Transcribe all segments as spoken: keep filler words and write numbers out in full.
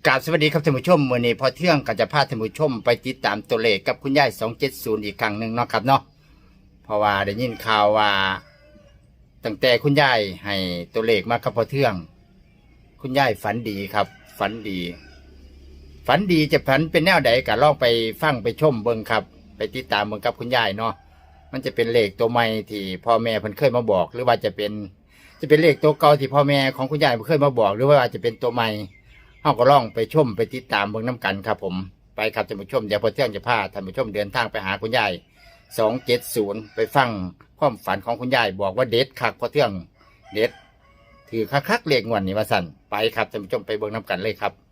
กราบสวัสดีครับท่านผู้ชมวันนี้พอเที่ยงก็จะพาท่านผู้ชมไปติดตามตัวเลขกับคุณยายสองเจ็ดศูนย์อีกครั้งหนึ่งเนาะครับเนาะเพราะว่าได้ยินข่าวว่าตั้งแต่คุณยายให้ตัวเลขมากับพอเที่ยงคุณยายฝันดีครับ ฝันดี ฝันดีจะฝันเป็นแนวใดก็ลองไปฟังไปชมเบิ่งครับ ไปติดตามเบิ่งกับคุณยายเนาะมันจะเป็นเลขตัวใหม่ที่พ่อแม่เพิ่นเคยมาบอก หรือว่าจะเป็นจะเป็นเลขตัวเก่าที่พ่อแม่ของคุณยายเพิ่นเคยมาบอก หรือว่าจะเป็นตัวใหม่เฮาก็ลองไปชมไปติดตามเบิ่งน้ำกันครับผมไปครับท่านผู้ชมเดี๋ยวพอเที่ยงจะพาท่านผู้ชมเดินทางไปหาคุณยายสองเจ็ดศูนย์ไปฟังความฝันของคุณยายบอกว่าเด็ดคักพอเที่ยงเด็ดถือคักๆเลขงวดนี้ว่าสั่นไปครับท่านผู้ชมไปเบิ่งน้ำกันเลยครับ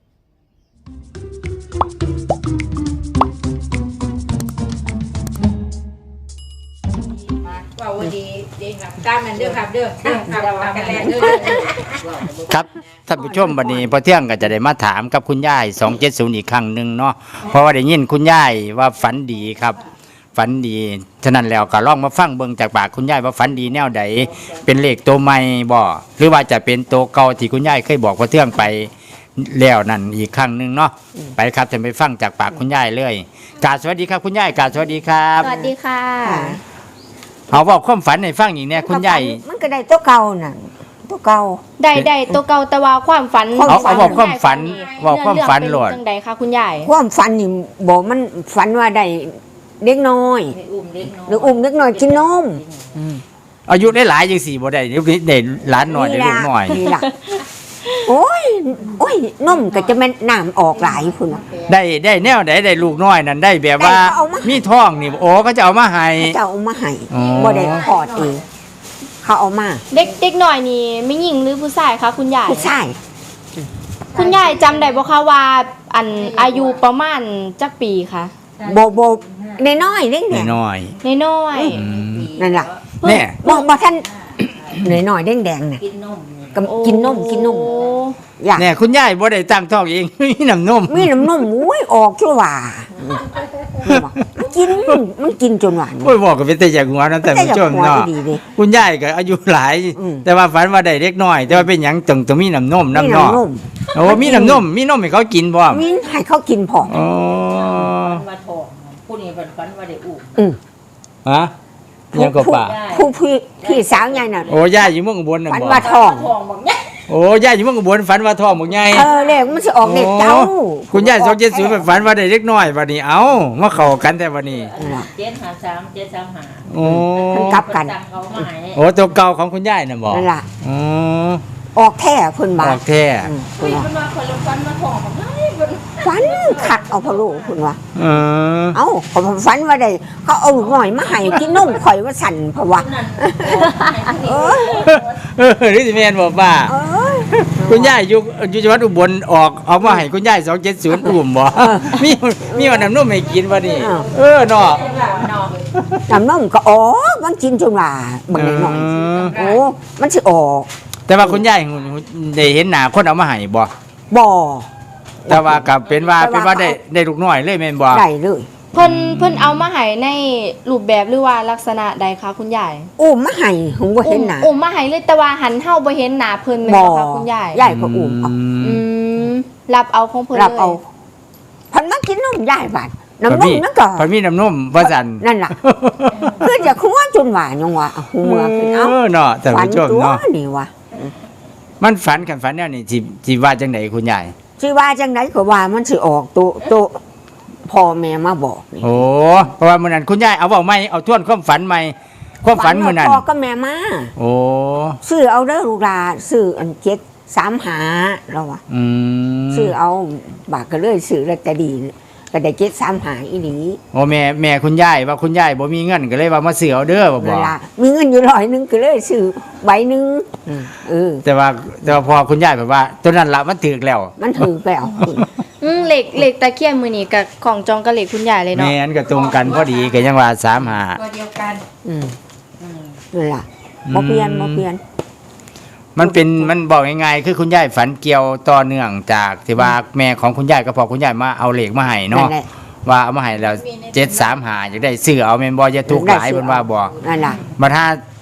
ว่าวันดีดีครับตามนั้นเด้อครับเด้อเด้อครับตามกันแล้วเด้อครับท่านผู้ชมวันนี้พอเที่ยงก็จะได้มาถามกับคุณยายสองเจ็ดศูนย์อีกครั้งหนึ่งเนาะเพราะว่าได้ยินคุณยายว่าฝันดีครับฝันดีฉะนั้นแล้วก็ลองมาฟังเบิ่งจากปากคุณยายว่าฝันดีแนวใดเป็นเลขตัวใหม่บ่หรือว่าจะเป็นตัวเก่าที่คุณยายเคยบอกพอเที่ยงไปแล้วนั่นอีกครั้งหนึ่งเนาะไปครับจะไปฟังจากปากคุณยายเลยกราบสวัสดีครับคุณยายกราบสวัสดีครับสวัสดีค่ะเอาบอกความฝันให้ฟังอีกเนี่ยคุณยายมันก็ได้ตัวเก่าน่ะตัวเก่าได้ได้ตัวเก่าแต่ว่าความฝันเอาเอาบอกความฝันบอกความฝันโหลดเรื่องเป็นจังใดคะคุณยายความฝันนี่บอกมันฝันว่าได้เด็กน้อยได้อุ้มเล็กน้อยหรืออุ้มเด็กน้อยกินนมอายุได้หลายจังสี่บ่ได้เดี๋ยวนี้ได้หลานหน่อยได้ลูกหน่อยนี่ล่ะโอ้ยโอ้ยนมก็จะแม่นน้ำออกหลายพุ่นน่ะได้ได้แนวไหนได้ลูกน้อยนั่นได้แบบว่าได้เขาเอามามีมีท้องนี่โอ้เขาจะเอามาให้เขาจะเอามาให้อ๋อบ่ได้พอดเองเขาเอามาเด็กเด็กหน่อยนี่ไม่หญิงหรือผู้ชายคะคุณยายผู้ชายคุณยายจำได้บ่คะว่าอันอายุประมาณจักปีคะโบโบน้อยๆเล็กเนี่ยน้อยน้อยๆอืมนั่นล่ะแน่บ่บ่ท่านน้อยๆแดงๆน่ะกินนมก็ๆกินนมกินนมโอ้อยากแน่คุณยายบ่ได้ตั้งท้องเอง มีน้ำนมมีน้ำนมอุ้ยออกชั่วว่ามันกินมันกินจนหวานโอ้ยบอกก็เป็นแต่อย่างหัวนะแต่ผู้ชมเนาะดีดิคุณยายก็อายุหลายอืมแต่ว่าฝันว่าได้เล็กน้อย แต่ว่าเป็นหยังต้องต้องมีน้ำนมมีน้ำเนาะน้ำนมโอ้มีน้ำนมมีนมให้เขากินบ่มีให้เขากินพอโอ้ฝันว่าทองผู้นี้ฝันฝันว่าได้อุ้มอืมฮะยังก็ป่าผู้พี่พี่สาวใหญ่น่ะโอ้ยายอยู่เมืองอุบลน่ะฝันบ่ว่าทองทองบอกเนี่ยโอ้ยายอยู่เมืองอุบลฝันว่าท้องบ่ใหญ่เออเลขมันจะออกเลขเจ้าโอ้คุณยายสองเจ็ดศูนย์ฝันว่าได้เล็กน้อยวันนี้เอ้ามาเข้ากันแต่วันนี้เจ็ดหาสามเจ็ดสามหาโอ้มันกลับกันสั่งเขามาให้โอ้ตัวเก่าของคุณยายน่ะบอกนั่นล่ะอ๋อออกแท้เพิ่นอมาอกแท้อืมคุเพิ่ยนว่ากันว่าคนละฝันว่าทองบอกเฮ้ยมันฝันขัดเอาพะโล้เพิ่นว่าเออเอ้าเขาฝันว่าได้เขาเอาลูกหน่อยมาให้กินนมข่อยว่าสั่นเพราะว่านั่นเออเออนี่สิแม่นบอกว่าเออคุณยายอยู่อยู่จังหวัดอุบลออกเอามาให้คุณยายสองเจ็ดศูนย์อุ่มบ่มีมีวันน้ำนมให้กินวันนี้เออเนาะเนาะน้ำนมก็ออกมันกินจนว่าบางหน่อยเออโอ้มันสิออกแต่ว่าคุณยายได้เห็นหน้าคนเอามาให้บ่บ่แต่ว่ากับเป็นว่าเป็นว่าได้ได้ลูกน้อยเลยแม่นบ่ได้เลยเพิ่นเพิ่นเอามาให้ในรูปแบบหรือว่าลักษณะใดคะคุณยายอุ้มมาให้ผมบ่เห็นหน้าอุ้มมาให้เลยแต่ว่าหันเฮาบ่เห็นหน้าเพิ่นแม่นบ่บ่คะคุณยายยายก็อุ้มเอาอืมรับเอาของเพิ่นรับเลยเอาพันมากินนมยายบาดน้ำนพอมมีนั่นก็พอมีน้ำนมว่าซั่นนั่นล่ะคือจะคัวจนว่ายังว่าหูเมื่อขึ้นเอาเออเนาะแต่ฝันผู้ชมตัวเนาะนี่ว่ามันฝันกันฝันแนวนี้สิสิว่าจังไดคุณยายสิว่าจังไดก็ว่ามันสิออกตัวตัวพ่อแม่มาบอกนี่โอ้เพราะว่ามื้อนั้นคุณยายเอาเว้าใหม่เอาทวนความฝันใหม่ความฝันมื้อนั้นพ่อก็แม่มาโอ้ซื้อเอาเด้อลูกหลานซื้ออันเจ็ดสามหาเราว่าอืมซื้อเอาบากก็เลยซื้อลอตเตอรี่ก็ได้เจ็ดสามหาอีหลีโอ้แม่แม่คุณยายว่าคุณยายบ่มีเงินก็เลยว่ามาซื้อเอาเด้อบ่บเวอกลามีเงินอยู่ร้อยหนึงก็เลยซื้อใบหนึงเออแต่ว่าแต่ว่าพอคุณยายแบบว่าตัวนั้นละมันถึกแล้วมันถือไปเอาอืมเหล็กเหล็กตะเคียนมือนี้กับของจองกับเหล็กคุณยายเลยเนาะแม่นก็ตรงกันพอดีก็ยังว่าสามหาตัวเดียวกันอืมอืมนั่นล่ะบ่เปลี่ยนบ่เปลี่ยนมันเป็นมันบอกง่ายๆคือคุณยายฝันเกี่ยวต่อเนื่องจากที่ว่าแม่ของคุณยายกับพ่อคุณยายมาเอาเหล็กมาให้นั่เนาะนแหละว่าเอามาให้แล้วเจ็ดสามหาอยากได้ซื้อเอาแม่นบ่อย่าถูกหลายเพิ่นว่าบ่นั่นล่ะมาถ้า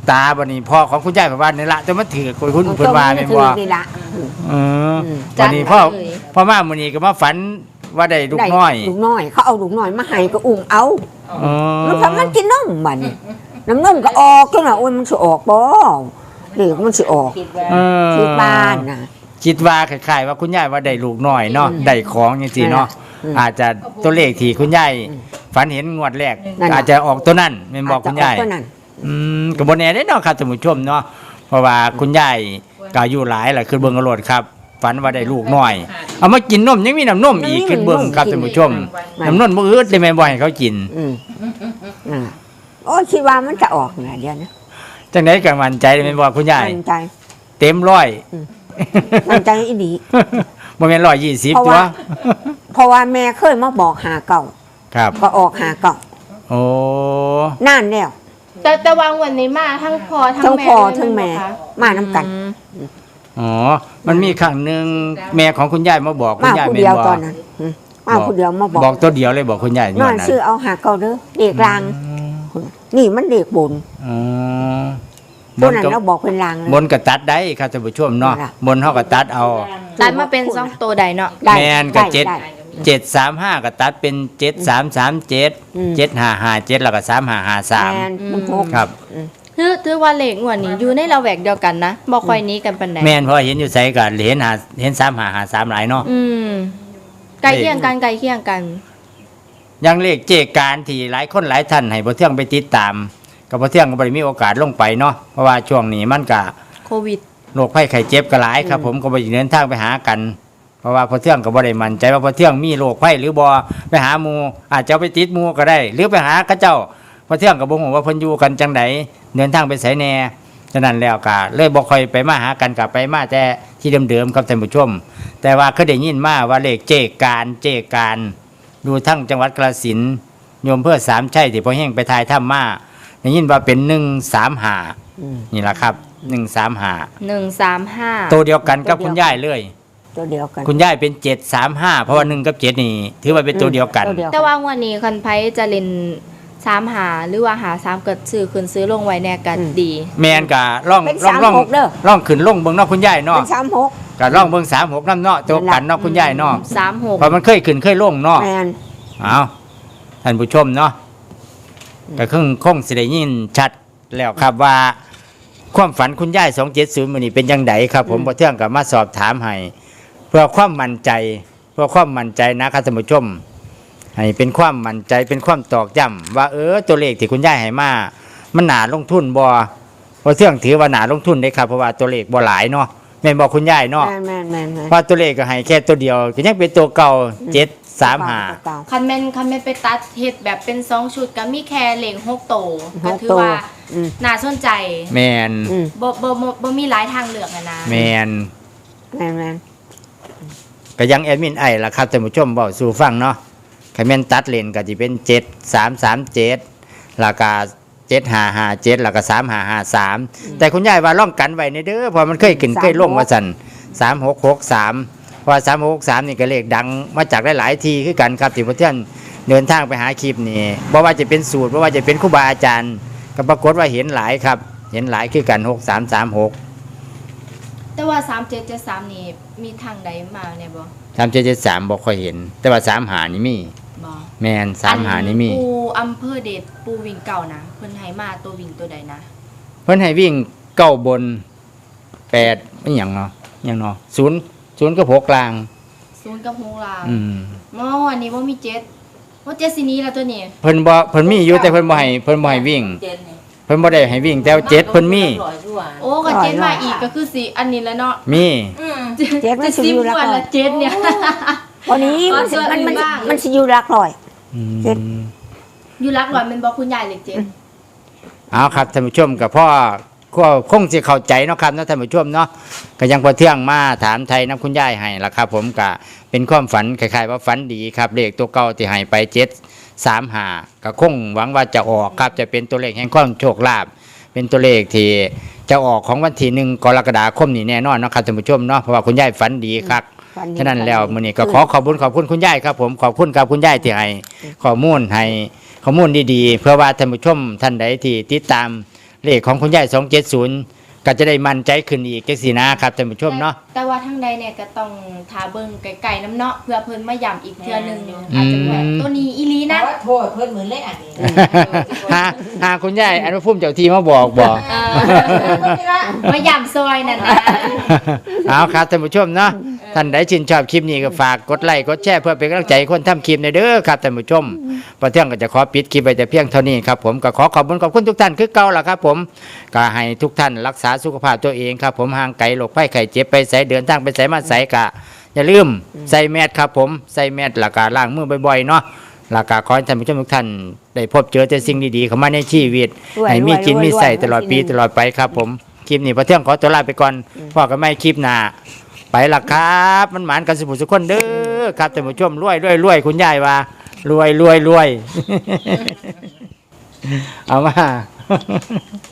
ตาบัดนี้พ่อของคุณยายว่านี่ละแต่มันถือคุณคุณเพิ่นว่าแม่นบ่นี่ละเอออืมวันนี้พ่อพ่อมามื้อนี้ก็มาฝันว่าได้ลูกน้อยได้ลูกน้อย เขาเอาลูกน้อยมาให้ก็อุ้มเอาอ๋อมันทำมันกินนมบัดนี้น้ำนมก็ออกจังน่ะโอ้ยมันสิออกบ่เด็กมันสิออกคิดว่าเออที่บ้านน่ะคิดว่าคล้ายๆว่าคุณยายว่าได้ลูกน้อยเนาะอืมได้ของจังซี่เนาะอืมอาจจะตัวเลขที่คุณยายอืมฝันเห็นงวดแรกนั่นน่ะอาจจะออกตัวนั้นแม่นบอกคุณยายอจจะออกตัวนั้นอืมก็บ่แน่เด้เนาะครับท่านผู้ชมเนาะเพราะว่าคุณยายก็อายุหลายล่ะคือเบิ่งเอาโลดครับ ฝันว่าได้ลูกน้อย เอามากินนมยังมีน้ำนมอีกคือเบิ่งครับท่านผู้ชมน้ำนมบ่อึดเลยแม่นบ่ให้เขากินอืมอ่าโอ้ยคิดว่ามันจะออกน่ะเดี๋ยวนะจังได๋ก็มั่นใจแม่นบ่คุณยายมั่นใจเต็มร้อยมั่นใจอีหลีบ่แม่นร้อยยี่สิบเพราะตัวว่า เพราะว่าแม่เคยมาบอกหาเก่าครับก็ออกหาเก่าโอ้นานแล้วแต่แต่วางวันนี้มาทั้งพ่อทั้งทั้งแม่พ่อเลยทั้งแม่นะคะมานํกันอืมอ๋อ มันมีครั้งหนึ่งแม่ของคุณยายมาบอกคุณมายายผู้แม่นเดียวบอกตอนนั้นอืมมาผู้เดียวมาบอกบอกตัวเดียวเลยบอกคุณยายนย้ออน นนั้นซื้อเอาหาเก่าเด้อเด็กลาง นี่มันเด็กบนอ๋อตัวนั้นก็เราบอกเป็นลางเลยบนก็ตัดได้ครับท่านผู้ชมเนาะนั่นล่ะบนเฮาก็ตัดเอาตัดมาเป็นสองตัวใดเนาะได้แม่นก็ได้เจ็ดได้เจ็ดสามห้าก็ตัดเป็นเจ็ดสามสามเจ็ดอืมเจ็ดห้าห้าเจ็ดแล้วก็สามห้าห้าสามแมนมันพกครับถือถือว่าเลขงวดนี้อยู่ในระแวกเดียวกันนะบ่ค่อยหนี้กันปานใดแม่นเพราะเห็นอยู่ไสก็เห็นหาเห็นสามห้าห้าสามหลายเนาะอืมใกล้เคียงกันใกล้เคียงกันอยังเลขเจการที่หลายคนหลายท่านให้บ่เที่ยงไปติดตามก็บ่เที่ยงก็บ่ได้มีโอกาสลงไปเนาะเพราะว่าช่วงนี้มันก็โควิดโรคภัยไข้เจ็บก็หลายครับ ผมก็บ่ได้เดินทางไปหากัน เพราะว่าพอเที่ยงก็บ่ได้มั่นใจว่าพอเที่ยงมีโรคภัยหรือบ่ไปหาหมู่อาจจะเอาไปติดหมู่ก็ได้ หรือไปหาเขาเจ้าพอเที่ยงก็บ่ฮู้ว่าเพิ่นอยู่กันจังไดเดินทางไปไสแน่ฉะนั้นแล้วก็เลยบ่ค่อยไปมาหากันก็ไปมาแต่ที่เดิมๆครับท่านผู้ชม แต่ว่าเคยได้ยินมาว่าเลขเจการเจการดูทั้งจังหวัดกาฬสินธุ์โยมเพื่อสามชัยที่พ่อแห้งไปทายถ้ำมาได้ยินว่าเป็นหนึ่งสามห้าอืมนี่แหละครับหนึ่งสามห้าหนึ่งสามห้าตัวเดียวกันกับคุณยายเลยตัวเดียวกันคุณยายเป็นเจ็ดสามห้าเพราะว่าหนึ่งกับเจ็ดนี่ถือว่าเป็นตัวเดียวกันตัวเดียวแต่ว่างวดนี้คันไผจะเล่นสามหาหรือว่าหาสามเกิดซื้อขึ้นซื้อลงไว้แน่กันดีแมนกะล่องเป็นล่องสามล่องหกเด้อล่องขึ้นล่องเบิ่งเนอกคุณยายเนาะเป็นสามหกกะล่องเบิ่งสามหกน้ำเนาะตัวกันเนาะคุณยายเนาะสามหกเพราะมันเคยขึ้นเคยลงเนาะแมนเอาท่านผู้ชมเนาะก็คงคงสิได้ยินชัดแล้วครับว่า ความฝันคุณยายสองเจ็ดศูนย์มันนี่เป็นยังไงครับ ผมพอเที่ยงกับมาสอบถามให้เพื่อความมั่นใจ เพื่อความมั่นใจนะครับท่านผู้ชม ให้เป็นความมั่นใจเป็นความตอกย้ำว่าเออตัวเลขที่คุณยายให้มามันหนาลงทุนบ่พอเที่ยงถือว่าหนาลงทุนได้ครับเพราะว่าตัวเลขบ่หลายเนาะแม่นบอกคุณยายเนาะแมนแมนแมนแมนว่าตัวเลขก็ให้แค่ตัวเดียวก็ยังเป็นตัวเก่าเจ็ดสามห้าเก่าคันแม่นคันแม่นไปตัดเฮ็ดแบบเป็นสองชุดก็มีแค่เหล่งหกโตวหก็กถือตัวว่าอืมน่าสนใจแมนอืมบ่บ่บ่บ่มีหลายทางเลือกอะนะแมนแมนแมนก็ยังแอดมินไอล่ะครับท่านผู้ชมบอกสู่ฟังเนาะใครแม่นตัดเลนก็จะเป็นเจ็ดสามสามเจ็ดราคาเจ็ดห้าห้าเจ็ดแล้วก็สามห้าห้าสามแต่คุณยายว่าล่องกันไว้ในเด้อเพอมันเคยขึ้นเคยลงมาสั่นสามหกหกสามเพราะสามหกสามนี่ก็เลขดังมาจากหลายๆทีคือกันครับที่พระเที่ยนเดินทางไปหาคลิปนี่บ่ว่าจะเป็นสูตรบ่ว่าจะเป็นครูบาอาจารย์ก็ปรากฏว่าเห็นหลายครับ เห็นหลายคือกันหกสามสามหกแต่ว่าสามเจ็ดเจ็ดสามนี่มีทางใดมาเนี่ยบ่สามเจ็ดเจ็ดสามบ่ค่อยเห็น แต่ว่าสามหานี่มีบ่แมนสามหานี่มีปูอำเภอเดชปูวิ่งเก่านะเพิ่นให้มาตัววิ่งตัวใดนะเพิ่นให้วิ่งเก้าบนแปดไม่หยังเนาะหยังเนาะศูนย์ศูนย์กับหกกลางศูนย์กับหกลางอืมอ๋ออันนี้บ่มีเจ็ดว่าเจ็ดสิหนี้แล้วตัวนี้เพิ่นบ่เพิ่นมีอยู่แต่เพิ่นบ่ให้เพิ่นบ่ให้วิ่งเจนนี่เพิ่นบ่ได้ให้วิ่งแต่ว่าเจ็ดเพิ่นมีร้อยด้วยโอ้ก็เจ็ดมาอีกก็คือสิอันนี้แล้วเนาะมีอืมเจ็ดมันสิสิบอยู่ละวันก่อนละเจ็ดเนี่ยวันนี้มันสิอ๋อมันมันส่วนอื่นบ้างมันสิอยู่หลักร้อยอืมเจ็ดอยู่รักหน่อยมันบอกคุณยายเลยเจ็ดเอาครับท่านผู้ชมกับพ่อก็คงสิเข้าใจเนาะครับเนาะท่านผู้ชมเนาะก็ยังพอเที่ยงมาถามไทยน้ำคุณยายให้ล่ะครับ ผมก็เป็นความฝันคล้ายๆว่าฝันดีครับเลขตัวเก่าที่ให้ไปเจ็ดสามห้าก็คงหวังว่าจะออกครับจะเป็นตัวเลขแห่งความโชคลาภเป็นตัวเลขที่จะออกของวันที่หนึ่งกรกฎาคมนี้แน่นอนเนาะครับท่านผู้ชมเนาะเพราะว่าคุณยายฝันดีครับฝัดีฉะนั้นแล้วมื้อนี้ก็ขอขอบคุณขอบคุณคุณยายครับผมขอบคุณครับคุณยายที่ให้ข้อมูลให้ข้อมูลดีๆ เพื่อว่าท่านผู้ชมท่านใดที่ติดตามเลขของคุณยายสองเจ็ดศูนย์ก็จะได้มั่นใจขึ้นอีกจังซี่นะครับท่านผู้ชมเนาะแต่ว่าทางใดเนี่ยก็ต้องทาเบิ่งไกลๆน้ำเนาะเพื่อเพิ่นมาย้ำอีกเทื่อหนึงอาจจะแบบตัวนี้อีหลีนะนะว่าโทษเพิ่นเหมือนเล่นอันนี้หาหาคุณยายอนุภูมิเจ้าที่มาบอกบอกเออมาย้ำซอยนั่นนะเอาครับท่านผู้ชมเนาะท่านใดชื่นชอบคลิปนี้ก็ฝากกดไลค์กดแชร์เพื่อเป็นกำลังใจให้คนทำคลิปในอยเด้อครับท่านผู้ชมพอเที่ยงก็จะขอปิดคลิปไปแต่เพียงเท่านี้ครับผมก็ขอขอบคุณขอบคุณทุกท่านคือเก่าล่ะครับผมก็ให้ทุกท่านรักษาสุขภาพตัวเองครับผมห่างไกลโรคภัยไข้เจ็บไปใส่เดินทางไปใส่มาใส่กะอย่าลืมใส่แมสครับผมใส่แมสแล้วก็ล้างมือบ่อยๆเนาะแล้วก็ขอให้ท่านผู้ชมทุกท่านได้พบเจอแต่สิ่งดีๆเข้ามาในชีวิตให้มีกินมีใส่ตลอดปีตลอดไปครับผมคลิปนี้พอเที่ยงขอตัวลาไปก่อนพอกันไม่คลิปหน้าไปละครับมันหมานกันสุขสุขคนเด้อครับท่านผู้ชมรวยรวยรวยคุณยายว่ารวยรวยรวย เอามา